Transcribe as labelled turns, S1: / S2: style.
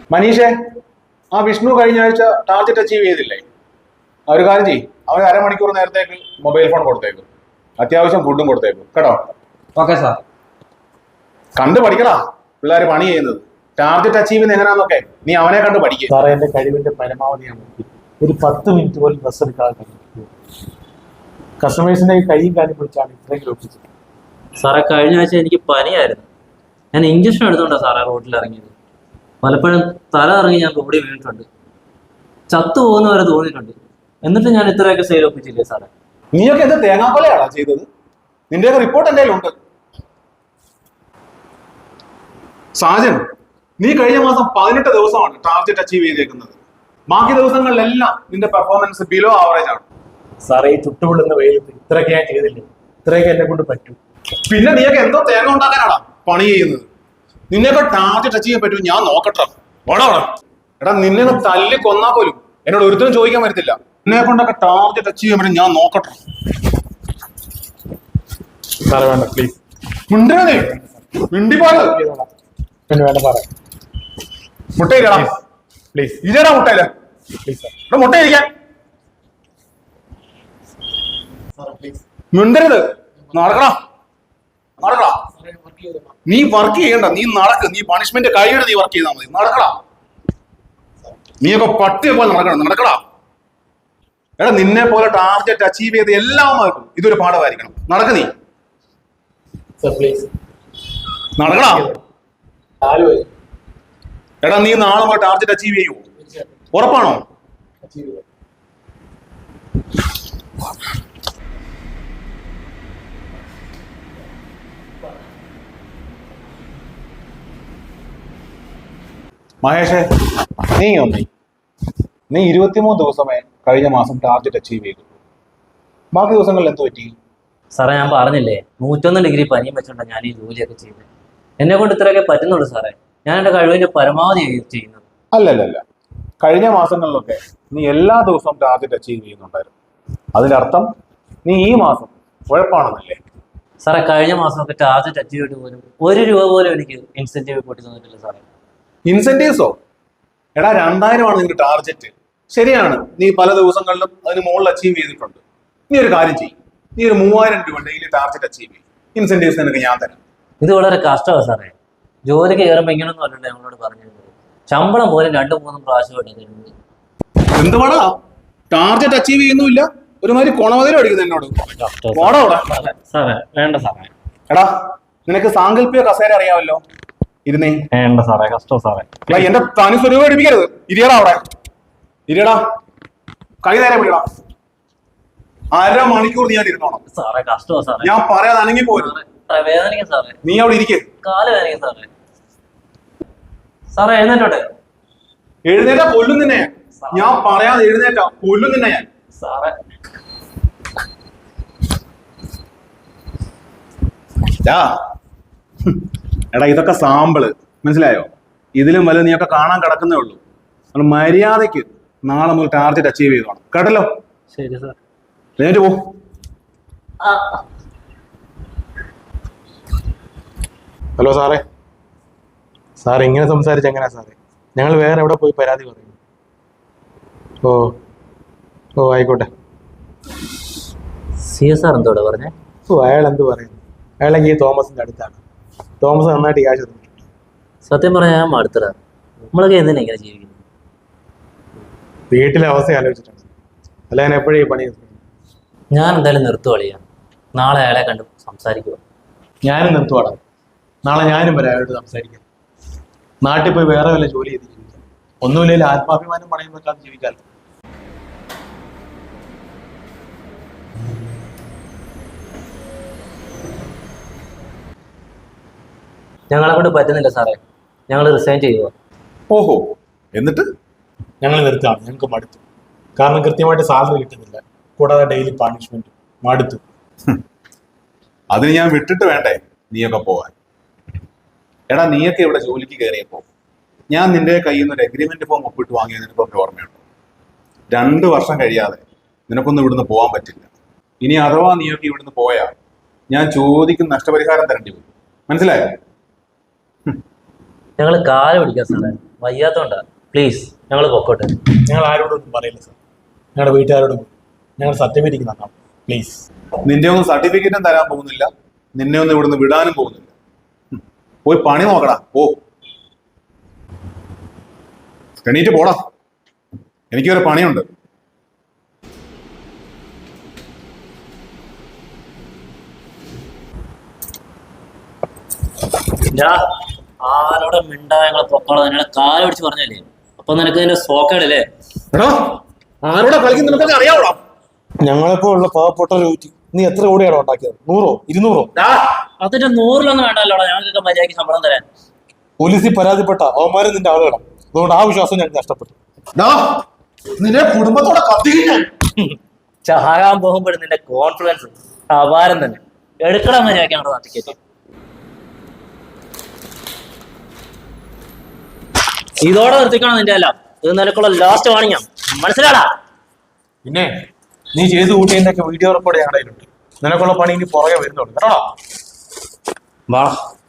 S1: മനീഷേ, ആ വിഷ്ണു കഴിഞ്ഞ ആഴ്ച ടാർഗറ്റ് അച്ചീവ് ചെയ്തില്ലേ? ഒരു കാര്യം ചെയ്യും, അവന് അരമണിക്കൂർ നേരത്തേക്ക് മൊബൈൽ ഫോൺ കൊടുത്തേക്കും, അത്യാവശ്യം ഫുഡും കൊടുത്തേക്കും കേട്ടോ.
S2: Okay sir.
S1: കണ്ടു പഠിക്കടാ പിള്ളേർ പണി ചെയ്യുന്നത്. ടാർഗറ്റ് അച്ചീവ് ചെയ്യുന്നത് എങ്ങനെയാണെന്നൊക്കെ നീ അവനെ കണ്ട് പഠിക്കുക.
S3: സാറേ, എന്റെ കഴിവിന്റെ പരമാവധി ഞാൻ നോക്കി. ഒരു 10 മിനിറ്റ് പോലും ബസ് എടുക്കാതെ കഴിയും. കസ്റ്റമേഴ്സിന്റെ കൈയും കാര്യം പിടിച്ചാണ് ഇത്രയെങ്കിലും ഒപ്പിച്ചത്.
S2: സാറേ, കഴിഞ്ഞ ആഴ്ച എനിക്ക് പനിയായിരുന്നു. ഞാൻ ഇഞ്ചക്ഷൻ എടുത്തോണ്ടാ സാറേ റോഡിൽ ഇറങ്ങിയത്. പലപ്പോഴും തല ഇറങ്ങി ഞാൻ റോഡിൽ വീണിട്ടുണ്ട്. ചത്തു പോകുന്ന വരെ തോന്നിയിട്ടുണ്ട്. എന്നിട്ട് ഞാൻ ഇത്രയൊക്കെ സെയിൽ ഒപ്പിച്ചില്ലേ സാറേ?
S1: നീയൊക്കെ എന്ത് തേങ്ങാക്കൊലയാണോ ചെയ്തത്? നിന്റെയൊക്കെ റിപ്പോർട്ട് എന്തെങ്കിലും ഉണ്ട്? സാജൻ, നീ കഴിഞ്ഞ മാസം 18 ദിവസമാണ് ടാർഗറ്റ് അച്ചീവ് ചെയ്തേക്കുന്നത്. ബാക്കി ദിവസങ്ങളിലെല്ലാം നിന്റെ പെർഫോമൻസ് ബിലോ ആവറേജ് ആണ്.
S3: സാറേ, ഈ ചുട്ടുപൊള്ളുന്ന വെയിലത്ത് ഇത്രയൊക്കെ ഞാൻ ചെയ്തില്ലേ? ഇത്രയൊക്കെ എന്നെ കൊണ്ട് പറ്റും.
S1: പിന്നെ നീയൊക്കെ എന്തോ തേങ്ങ ഉണ്ടാക്കാനാടാ പണി ചെയ്യുന്നത്. നിന്നെയൊക്കെ ടാർഗറ്റ് അച്ചീവ് ചെയ്യാൻ പറ്റും, ഞാൻ നോക്കട്ടെ. ഓടാ എടാ, നിന്നെ തല്ലി കൊന്നാ പോലും എന്നോട് ഒരുത്തരും ചോദിക്കാൻ പറ്റത്തില്ല. നിന്നെ കൊണ്ടൊക്കെ ടാർഗറ്റ് അച്ചീവ് ചെയ്യാൻ പറ്റും, ഞാൻ നോക്കട്ടെ.
S3: സാറേ വേണ്ട, പ്ലീസ്.
S1: മിണ്ടേ മിണ്ടിപ്പോയത്
S3: പിന്നെ വേണ്ട സാറേ,
S1: മുട്ടയില്ലടാ.
S3: പ്ലീസ്
S1: ഇല്ലടാ മുട്ടയില്ല.
S3: Please sir.
S1: ഇവിടെ മുട്ടയിരിക്കാൻ മിണ്ടരുത്. നടക്കടാ നടക്കടാ. നീ വർക്ക് ചെയ്യണ്ട, നീ നടക്ക്. നീ പണിഷ്മെന്റ് കഴിയുടെ നീ വർക്ക് ചെയ്താൽ മതി. നടക്കടാ. നീയൊക്കെ പട്ടിയെ പോലെ നടക്കണം. നടക്കടാ. എടാ, നിന്നെ പോലെ ടാർഗറ്റ് അച്ചീവ് ചെയ്ത് എല്ലാവർക്കും ഇതൊരു പാഠമായിരിക്കണം. നടക്ക് നീ.
S3: പ്ലീസ്
S1: നടക്കടാ. എടാ, നീ നാളെ മുതൽ ടാർഗറ്റ് അച്ചീവ് ചെയ്യൂ. ഉറപ്പാണോ? മഹേഷേ, നീ 23 ദിവസമേ കഴിഞ്ഞ മാസം ടാർഗറ്റ് അച്ചീവ് ചെയ്തു. ബാക്കി ദിവസങ്ങളിൽ എന്ത് പറ്റി?
S2: സാറേ, ഞാൻ പറഞ്ഞില്ലേ 101 ഡിഗ്രി പനിയും വെച്ചോണ്ടാ ഞാൻ ഈ ജോലിയൊക്കെ ചെയ്യുന്നത്. എന്നെ കൊണ്ട് ഇത്രയൊക്കെ പറ്റുന്നുള്ളൂ സാറേ. ഞാൻ എന്റെ കഴിവിന്റെ പരമാവധി ചെയ്യുന്നത്.
S1: അല്ലല്ല, കഴിഞ്ഞ മാസങ്ങളിലൊക്കെ നീ എല്ലാ ദിവസവും ടാർഗറ്റ് അച്ചീവ് ചെയ്യുന്നുണ്ടായിരുന്നു. അതിന്റെ അർത്ഥം നീ ഈ മാസം ഉഴപ്പാണെന്നല്ലേ?
S2: സാറേ, കഴിഞ്ഞ മാസമൊക്കെ ടാർഗറ്റ് അച്ചീവ് ചെയ്തിട്ട് പോലും 1 രൂപ പോലും എനിക്ക് ഇൻസെന്റീവ് കൂട്ടി തന്നിട്ടില്ല സാറേ.
S1: ഇൻസെന്റീവ്സോ? എടാ, 2000 ആണ് നിന്റെ ടാർഗറ്റ്. ശരിയാണ്, നീ പല ദിവസങ്ങളിലും അതിന് മുകളിൽ അച്ചീവ് ചെയ്തിട്ടുണ്ട്. നീ ഒരു കാര്യം ചെയ്യും, നീ ഒരു 3000 രൂപ ഡെയിലി ടാർഗറ്റ് അച്ചീവ് ചെയ്യും. ഇൻസെന്റീവ്സ് നിനക്ക് ഞാൻ തരാം.
S2: ഇത് വളരെ കഷ്ടമാണ് സാറേ. ജോലിക്ക് കയറുമ്പോൾ ഇങ്ങനൊന്നും അല്ലല്ലോ ഞങ്ങളോട് പറഞ്ഞിരുന്നത്. ശമ്പളം പോലും 2-3 പ്രാവശ്യമായിട്ട്.
S1: എന്തുവാടാ ടാർഗറ്റ് അച്ചീവ് ചെയ്യുന്നില്ല? ഒരുമാതിരി കൊണവതിലും അടിക്കുന്നു എന്നോട്.
S2: സാറേ വേണ്ട സാറേ.
S1: എടാ, നിനക്ക് സാങ്കല്പിക കസേര അറിയാമല്ലോ? ഇരുന്നേ.
S2: വേണ്ട സാറേ, കഷ്ടം സാറേ.
S1: എന്റെ തനി സ്വരൂപം അടിപ്പിക്കരുത്. ഇരിയടാ അവിടെ. ഇരിയടാ. കൈ നേരെ പിടിയടാ. 1/2 മണിക്കൂർ നീ ഇരുന്നോണം.
S2: സാറേ കഷ്ടമാ സാറേ.
S1: ഞാൻ പറയാതെ അനങ്ങി പോരുത്.
S2: വേദനിക്കും സാറേ.
S1: നീ അവിടെ ഇരിക്കേ.
S2: കാല് വേദനിക്കും സാറേ. സാറേ എഴുന്നേറ്റോട്ടെ.
S1: എഴുന്നേറ്റാ കൊല്ലും നിന്നെ. ഞാൻ പറയാതെ എഴുന്നേറ്റാ കൊല്ലും നിന്നെ ഞാൻ.
S2: സാറേ
S1: എടാ, ഇതൊക്കെ സാമ്പിള്, മനസ്സിലായോ? ഇതിലും വലുത് നീയൊക്കെ കാണാൻ കിടക്കുന്നേ ഉള്ളൂ. നമ്മൾ മര്യാദയ്ക്ക് നാളെ മുതൽ ടാർഗറ്റ് അച്ചീവ് ചെയ്തോണം, കേട്ടല്ലോ?
S2: ശരി സാർ.
S1: എഴുന്നേറ്റ് പോ.
S3: ഹലോ സാറേ. സാർ ഇങ്ങനെ സംസാരിച്ച എങ്ങനെയാ സാറേ? ഞങ്ങൾ വേറെ എവിടെ പോയി പരാതി പറയും? ഓ ആയിക്കോട്ടെ.
S2: സാർ എന്തോടെ പറഞ്ഞേ?
S3: അയാൾ എന്ത് പറയുന്നു? അയാളെങ്കിൽ ഈ തോമസിന്റെ അടുത്താണ്. തോമസ് നന്നായിട്ട് ക്യാഷ് തന്നിട്ടുണ്ട്.
S2: സത്യം പറഞ്ഞാൽ ഞാൻ മടുത്തടാ. നമ്മളൊക്കെ എന്തിനാ ഇങ്ങനെ ജീവിക്കുന്നത്?
S3: വീട്ടിലെ അവസ്ഥ ആലോചിച്ചിട്ടുണ്ട്. അല്ല, ഞാൻ എപ്പോഴും ഈ പണി
S2: ഞാൻ എന്തായാലും നിർത്തുവളിയാ. നാളെ അയാളെ കണ്ട് സംസാരിക്കുക.
S3: ഞാനും നിർത്തുവാടാ. നാളെ ഞാനും വരാം അയാളോട് സംസാരിക്കാം. നാട്ടിൽ പോയി വേറെ വല്ല ജോലി ചെയ്ത് ജീവിക്കാം. ഒന്നുമില്ലെങ്കിൽ ആത്മാഭിമാനം പണയം വെക്കാതെ ജീവിക്കാമല്ലോ.
S2: ഞങ്ങളെ കൊണ്ട് പറ്റുന്നില്ല സാറേ. ഞങ്ങൾ റിസൈൻ ചെയ്യുക.
S1: ഓഹോ, എന്നിട്ട്?
S3: ഞങ്ങൾ നിർത്തുകയാണ്. ഞങ്ങൾക്ക് മടുത്തു. കാരണം കൃത്യമായിട്ട് സാലറി കിട്ടുന്നില്ല, കൂടാതെ ഡെയിലി പണിഷ്മെന്റ്. മടുത്തു.
S1: അതിന് ഞാൻ വിട്ടിട്ട് വേണ്ടേ നീയൊക്കെ പോവാൻ? എടാ, നീയൊക്കെ ഇവിടെ ജോലിക്ക് കയറിയപ്പോ ഞാൻ നിന്റെ കയ്യിൽ നിന്ന് ഒരു എഗ്രിമെന്റ് ഫോം ഒപ്പിട്ട് വാങ്ങിയത് നിനക്കൊക്കെ ഓർമ്മയുണ്ടോ? 2 വർഷം കഴിയാതെ നിനക്കൊന്നും ഇവിടുന്ന് പോകാൻ പറ്റില്ല. ഇനി അഥവാ നീയൊക്കെ ഇവിടുന്ന് പോയാൽ ഞാൻ ചോദിക്കുന്ന നഷ്ടപരിഹാരം തരേണ്ടി വരും. മനസ്സിലായോ?
S2: ഞങ്ങൾ കാല് പിടിക്കാം സാറേ. വയ്യാത്തോണ്ടാ. പ്ലീസ് ഞങ്ങൾ പൊക്കോട്ടെ.
S3: ഞങ്ങൾ ആരോടൊന്നും പറയില്ല സാർ. ഞങ്ങളുടെ വീട്ടുകാരോടും ഞങ്ങൾ സർട്ടിഫിക്കറ്റ് തന്നാം പ്ലീസ്.
S1: നിന്റെ ഒന്നും സർട്ടിഫിക്കറ്റും തരാൻ പോകുന്നില്ല, നിന്നെ ഒന്നും ഇവിടുന്ന് വിടാനും പോകുന്നില്ല. പോയി പണി നോക്കടാ, പോ. എണീറ്റ് പോടാ, എനിക്കൊരു പണിയുണ്ട്.
S2: ആരോടെ മിണ്ടാ ഞങ്ങളെ പൊക്കോളാം. നിന്നെ കാല് പിടിച്ച് പറഞ്ഞല്ലേ, അപ്പൊ നിനക്ക് ഇതിന്റെ സോക്കേടല്ലേ?
S1: എടാ, ആരോടെ കളിക്കുന്ന നിനക്കൊക്കെ അറിയാവോ?
S3: ഞങ്ങളിപ്പോ ഉള്ള പാവപ്പെട്ട ഒരു ഊറ്റി നീ എത്ര കോടിയാണോ ഉണ്ടാക്കിയത്? 100 200?
S2: അതിന്റെ 100ലൊന്നും വേണ്ടല്ലോടാ ഞങ്ങൾക്കൊക്കെ മര്യാദയ്ക്ക് ശമ്പളം തരാൻ.
S3: പോലീസിൽ പരാതിപ്പെട്ട അവന്മാരും നിന്റെ ആളുകളാണ്. അതുകൊണ്ട് ആ വിശ്വാസം ഞങ്ങൾക്ക് നഷ്ടപ്പെട്ടു.
S1: നിന്റെ കുടുംബത്തോടെ കത്തിക്കാൻ
S2: ചാകാൻ പോകുമ്പോഴും നിന്റെ കോൺഫിഡൻസ് അപാരം തന്നെ. എടുക്കടാ മര്യാദയ്ക്ക് ഞങ്ങളുടെ നാട്ടിലേക്ക്. ഇതോടെ നിർത്തിക്കണം നിന്റെ എല്ലാം. ഇത് നിനക്കുള്ള ലാസ്റ്റ് വാണിംഗ്. മനസ്സിലാടാ?
S3: പിന്നെ നീ ചെയ്ത് കൂട്ടിയതിന്റെ ഒക്കെ വീഡിയോ റെക്കോർഡ് ഞങ്ങളുടെ കയ്യിലുണ്ട്. നിനക്കുള്ള പണി ഇനി പുറകെ വരുന്നുണ്ട് കേട്ടോ.
S2: വാ.